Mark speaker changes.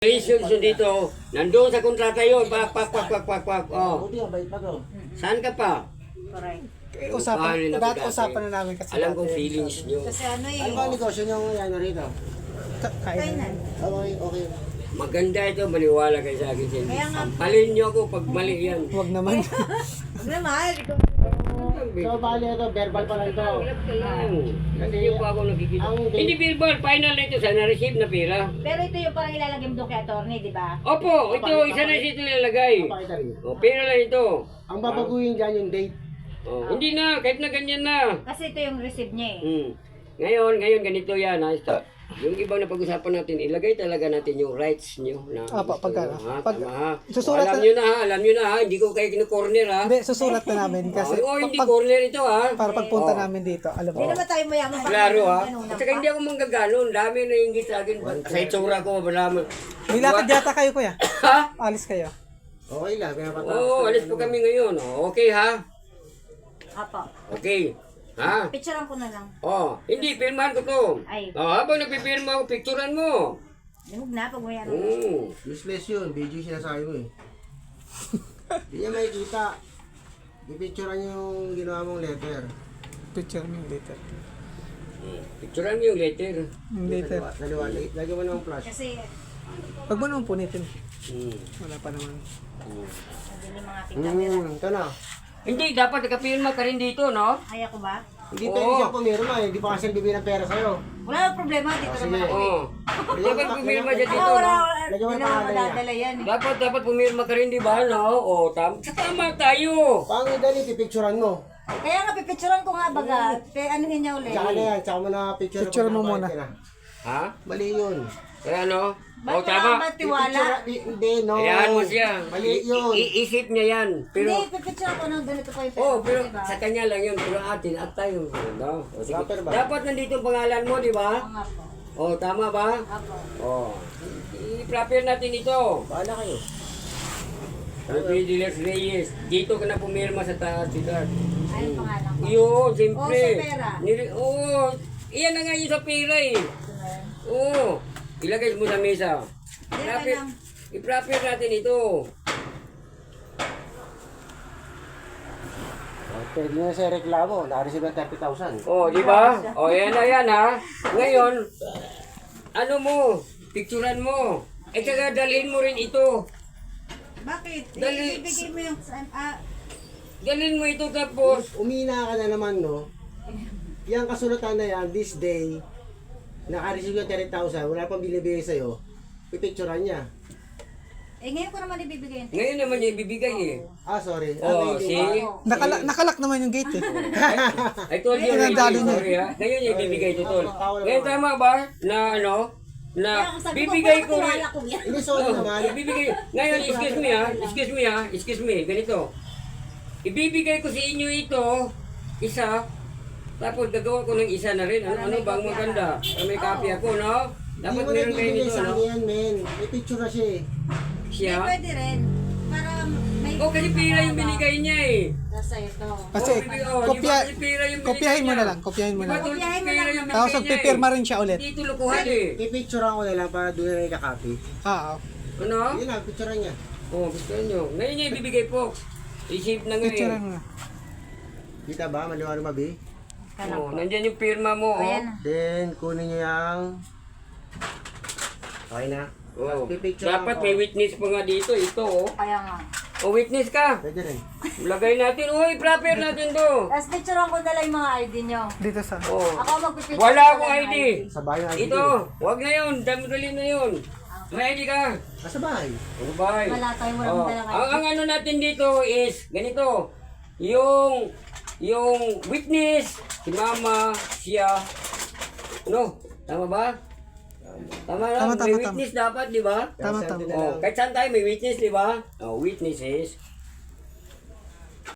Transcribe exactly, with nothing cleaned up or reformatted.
Speaker 1: Reason dito, nandoon sa kontrata yun, pak, pak, pak, pak, pak, pak, oh.
Speaker 2: Buti ang bait pa to.
Speaker 1: Saan ka pa?
Speaker 3: Correct.
Speaker 1: Eh,
Speaker 4: Usapan,
Speaker 1: paano na
Speaker 4: dati
Speaker 1: dati?
Speaker 4: usapan na namin kasi
Speaker 1: Alam
Speaker 4: dati.
Speaker 1: kong feelings nyo.
Speaker 3: Kasi ano eh.
Speaker 2: Ano ba ang negosyo niyong ano rito?
Speaker 4: Ka- Kainan.
Speaker 3: Kainan.
Speaker 2: Okay, okay.
Speaker 1: Maganda ito, maniwala kayo sa akin. Cindy.
Speaker 3: Kaya nga.
Speaker 1: Sampalin nyo ako pag mali yan.
Speaker 4: Huwag naman.
Speaker 3: Huwag na mahal. Ikaw.
Speaker 2: So, bali ito, verbal pa lang ito.
Speaker 1: Hirap ka lang. Kasi yung pa ako nakikita.
Speaker 2: ang date-
Speaker 1: Hindi billboard, final na ito sa na-receive na pira.
Speaker 3: Pero ito yung parang ilalagay mo doon kay attorney, di ba?
Speaker 1: Opo, ito, isa na ito nilalagay.
Speaker 2: Pakita rin.
Speaker 1: O, pira lang ito.
Speaker 2: Ang babaguhin dyan yung date.
Speaker 1: Oh, hindi na, kahit na ganyan na.
Speaker 3: Kasi ito yung receive niya eh.
Speaker 1: Hmm. Ngayon, ngayon ganito yan ha. Ito. Yung ibang na pag-usapan natin, ilagay talaga natin yung rights nyo na
Speaker 4: Ah, pa-
Speaker 1: gusto
Speaker 4: pagka-
Speaker 1: nyo, ha?
Speaker 4: pag-
Speaker 1: Tama ha. O,
Speaker 4: susulat
Speaker 1: alam
Speaker 4: na-
Speaker 1: nyo na ha, alam nyo na ha, hindi ko kayo kinu-corner ha.
Speaker 4: Hindi, susulat na namin kasi
Speaker 1: Oh, hindi
Speaker 4: pag,
Speaker 1: corner ito ha.
Speaker 4: para pagpunta
Speaker 1: Oh.
Speaker 4: namin dito, alam
Speaker 3: Hindi
Speaker 4: mo.
Speaker 3: naman tayo mayaman pa.
Speaker 1: Klaro ha.
Speaker 3: Ganun
Speaker 1: At saka hindi ako manggaganon, dami na inggit sa akin. Sa itsura ko, malaman.
Speaker 4: May lakad yata kayo kuya.
Speaker 1: Ha?
Speaker 4: Alis kayo.
Speaker 2: Okay lang, kaya patapos.
Speaker 1: Oo, oh, alis po kami ngayon. Oh, okay ha?
Speaker 3: Apo.
Speaker 1: Okay. Ha?
Speaker 3: Picturean ko na lang.
Speaker 1: Oh, hindi, pirmahan ko to.
Speaker 3: Ay.
Speaker 1: Oh, habang nagpipirma ako, picturean mo.
Speaker 3: Huwag na, pag may ano.
Speaker 1: Oo.
Speaker 2: Useless yun, video sinasabi mo eh. Hindi niya makikita. Ipicturean niyo yung ginawa mong letter.
Speaker 4: Picture mo yung later.
Speaker 1: Picturean mo yung letter.
Speaker 4: Yung later.
Speaker 2: Dalawa, lagyan mo ng flash.
Speaker 3: Kasi,
Speaker 4: Huwag mo naman punitin.
Speaker 1: Hmm.
Speaker 4: Wala pa naman.
Speaker 1: Hmm.
Speaker 3: nabili mga ating camera.
Speaker 2: Hmm, ito na.
Speaker 1: Hindi, dapat nakapirma ka rin dito, no?
Speaker 3: Ay ako ba?
Speaker 2: Hindi
Speaker 1: Oo.
Speaker 2: pwede siya pumirma eh. Hindi pa kasi bibigyan ng pera sa'yo.
Speaker 3: Wala nang problema. Dito
Speaker 2: Ah,
Speaker 3: naman
Speaker 2: sige.
Speaker 3: ako eh.
Speaker 1: Oo. Dapat pumirma siya
Speaker 3: Ako
Speaker 1: dito,
Speaker 3: wala,
Speaker 1: no?
Speaker 3: wala.
Speaker 2: Lagyan mo
Speaker 3: Hindi
Speaker 2: yung
Speaker 3: naman
Speaker 2: pangalan niya.
Speaker 3: madadala yan eh.
Speaker 1: Dapat, dapat pumirma ka rin, di ba, no? O, tam tama tayo.
Speaker 2: Pangit dali, pipicturean mo.
Speaker 3: Kaya nga, pipicturean ko nga baga. Pe, anuhin niya ulit.
Speaker 2: Tsaka na yan, tsaka mo na picture.
Speaker 4: Picture mo muna.
Speaker 1: Ha?
Speaker 2: Mali yun.
Speaker 1: Kaya, no? O,
Speaker 3: Ba't
Speaker 1: tama.
Speaker 3: wala ba tiwala?
Speaker 2: Pipicture- i- Hindi, no.
Speaker 1: Ayan mo siya.
Speaker 2: Mali yun.
Speaker 1: I- iisip niya yan. Pero,
Speaker 3: Hindi, pipicturean ko nang ganito pa yung pera.
Speaker 1: oh, pero
Speaker 3: diba?
Speaker 1: sa kanya lang yun. Pero atin, at tayo. No? O, sige.
Speaker 2: Rapper ba?
Speaker 1: Dapat nandito ang pangalan mo, di ba?
Speaker 3: Oo nga po.
Speaker 1: O, tama ba?
Speaker 3: Apo.
Speaker 1: O, i-prepare natin ito.
Speaker 2: Bahala kayo.
Speaker 1: Ruby Diles Reyes. Dito ka na pumirma sa taas, Sidar.
Speaker 3: Ayun pangalan ko.
Speaker 1: Yun, siyempre.
Speaker 3: Oh, sa pera.
Speaker 1: Nili- Oo, iyan na nga yun sa pera eh. Oo, ilagay mo sa mesa.
Speaker 3: Hindi,
Speaker 1: I-prepare,
Speaker 3: lang.
Speaker 1: i-prepare natin ito.
Speaker 2: Pwede na siya reklamo. Nakareceive ng thirty thousand.
Speaker 1: Oh, di ba? Oh, yan na yan ha. Ngayon, ano mo, picturean mo. Eh, saka dalhin mo rin ito.
Speaker 3: Bakit?
Speaker 1: Dali-
Speaker 3: Ibigay mo yung... Ah,
Speaker 1: Dalhin mo ito tapos.
Speaker 2: Umina ka na naman, no? Yang kasulatan na yan, this day, naka-receive ng thirty thousand, wala pang binibigay sa'yo, pipicturean niya.
Speaker 3: eh, ngayon ko naman ibibigay yung...
Speaker 1: Ngayon naman niya ibibigay eh.
Speaker 2: Ah, sorry.
Speaker 1: Oh,
Speaker 2: Ah, hindi
Speaker 1: see?
Speaker 2: ba?
Speaker 4: Nakala nakalak naman yung gate eh.
Speaker 1: I told you already,
Speaker 4: Pinadali niya.
Speaker 1: sorry ha. Ngayon niya ibibigay ito, tol.
Speaker 2: Tawal
Speaker 1: Ngayon
Speaker 2: naman.
Speaker 1: tama ba na ano, na
Speaker 3: Kaya sabi ko,
Speaker 1: bibigay ko
Speaker 3: wala
Speaker 1: rin.
Speaker 3: tiwala ko yan.
Speaker 2: Hindi, sorry
Speaker 1: Oh,
Speaker 2: naman.
Speaker 1: ibibigay. Ngayon, excuse me ha, excuse me ha, excuse me, ganito. Ibibigay ko sa inyo ito, isa, tapos gagawa ko ng isa na rin. Ano, ano bang maganda? May copy ako, no?
Speaker 2: Hindi
Speaker 1: Dapat
Speaker 2: mo na
Speaker 1: meron kayo
Speaker 2: bibigay
Speaker 1: nito,
Speaker 2: sa
Speaker 1: no?
Speaker 2: akin yan, men. May picture na siya eh.
Speaker 1: Siya?
Speaker 3: Hindi, pwede rin. Para may...
Speaker 1: Oh, kasi pira yung binigay niya eh.
Speaker 3: Nasa ito.
Speaker 4: Kasi
Speaker 1: Oh, bibigay- oh,
Speaker 4: kopya,
Speaker 1: di ba kasi pira yung binigay
Speaker 4: kopyahin mo
Speaker 1: niya?
Speaker 4: na lang, kopyahin mo
Speaker 1: Di
Speaker 4: na
Speaker 1: ba,
Speaker 4: lang.
Speaker 1: tol,
Speaker 3: Kopyahin mo
Speaker 1: pira
Speaker 3: lang.
Speaker 1: yung
Speaker 4: Tapos
Speaker 1: binigay niya
Speaker 4: magpipirma
Speaker 1: eh.
Speaker 4: rin siya ulit.
Speaker 1: Hindi ito lukuhan eh.
Speaker 2: Pipicturean ko na lang para doon na ikakopy.
Speaker 4: Ah, ah.
Speaker 1: Ano?
Speaker 2: Yun lang, picturean niya.
Speaker 1: Oh, gusto nyo. Ngayon niya ibibigay po. Isip na nga
Speaker 4: Picture
Speaker 1: eh.
Speaker 4: mo na.
Speaker 2: Kita ba? Maliwanag mabi?
Speaker 1: Oh, nandyan yung pirma mo, oh.
Speaker 3: Ayan.
Speaker 2: Then, kunin niyo yung... Okay na?
Speaker 1: Oh.
Speaker 2: Pipicture
Speaker 1: Dapat
Speaker 2: ako.
Speaker 1: may witness pa nga dito. Ito, oh.
Speaker 3: Kaya nga.
Speaker 1: O, witness ka.
Speaker 2: Pwede rin.
Speaker 1: Lagay natin. Uy, prepare natin to.
Speaker 3: Tapos picturean ko na lang yung mga I D nyo.
Speaker 4: Dito sa...
Speaker 1: Oh.
Speaker 3: Ako magpipicture.
Speaker 1: Wala
Speaker 3: ko
Speaker 1: akong
Speaker 3: lang
Speaker 1: I
Speaker 3: ng
Speaker 1: D.
Speaker 2: Sa bahay ng I D.
Speaker 1: Ito. Huwag na yun. Dami-dali na yun. May I D ka.
Speaker 2: Ah, sa bahay.
Speaker 1: Ano ba?
Speaker 3: Wala tayo, walang
Speaker 1: Oh.
Speaker 3: dalang I D.
Speaker 1: Ang, ang ano natin dito is, ganito. Yung, yung witness, si mama, siya. Ano? Tama ba? Tama lang.
Speaker 4: Tama, tama,
Speaker 1: may
Speaker 4: tama.
Speaker 1: witness dapat, di ba?
Speaker 4: Tama,
Speaker 2: Send
Speaker 4: tama.
Speaker 2: na
Speaker 1: Oh,
Speaker 2: lang.
Speaker 1: kahit saan tayo may witness, di ba? Oh, witnesses.